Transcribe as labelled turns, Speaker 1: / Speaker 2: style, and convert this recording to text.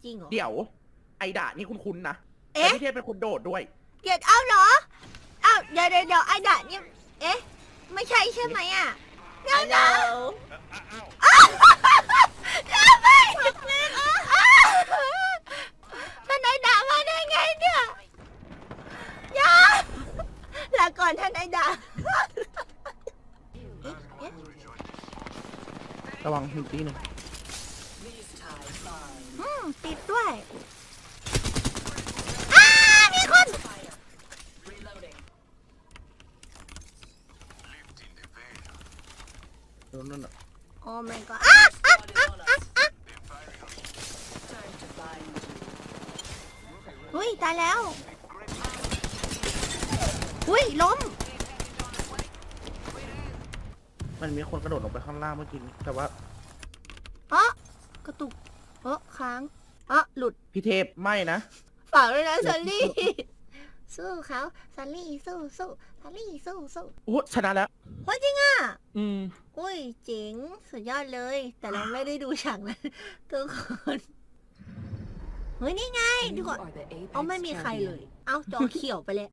Speaker 1: จริงเหรอ
Speaker 2: เดี๋ยวไอดานี่คุ้นๆนะแต่
Speaker 1: เอ๊ะ
Speaker 2: พี่เทพเป็นคนโดดด้วย
Speaker 1: เดี๋ยวเอาเหรอเอาเดี๋ยวไอ้ดะเนี่ยเอ๊ะไม่ใช่ใช่ไหมอ่ะเดี๋ยวนะไม่ท่านไอ้ดะมาได้ไงเนี่ยอย่าลาก่อนท่านไอ้ดะเอ๊ะ
Speaker 2: ระวังหินตีหนึ่ง
Speaker 1: ติดด้วยมีคน
Speaker 2: นั่นน่ะ
Speaker 1: โอ้ my god อุ้ยตายแล้วอุ้ยล้ม
Speaker 2: มันมีคนกระโดดลงไปข้างล่างเมื่อกี้แต่ว่า
Speaker 1: กระตุกค้างหลุด
Speaker 2: พี่เทพไม่นะ
Speaker 1: เปล่าเลยนะซันลี่ สู้เขาซันลี่สู้ซันลี่สู้
Speaker 2: โอ้ชนะแล้ว
Speaker 1: ว่าจริงอ่ะ
Speaker 2: อืม
Speaker 1: อุ้ยเจ๋งสุดยอดเลย แต่เราไม่ได้ดูฉากนั้นทุกคนเฮ้ยนี่ไงดูก่อนเอาไม่มีใครเลย เอาจอเขียวไปเลย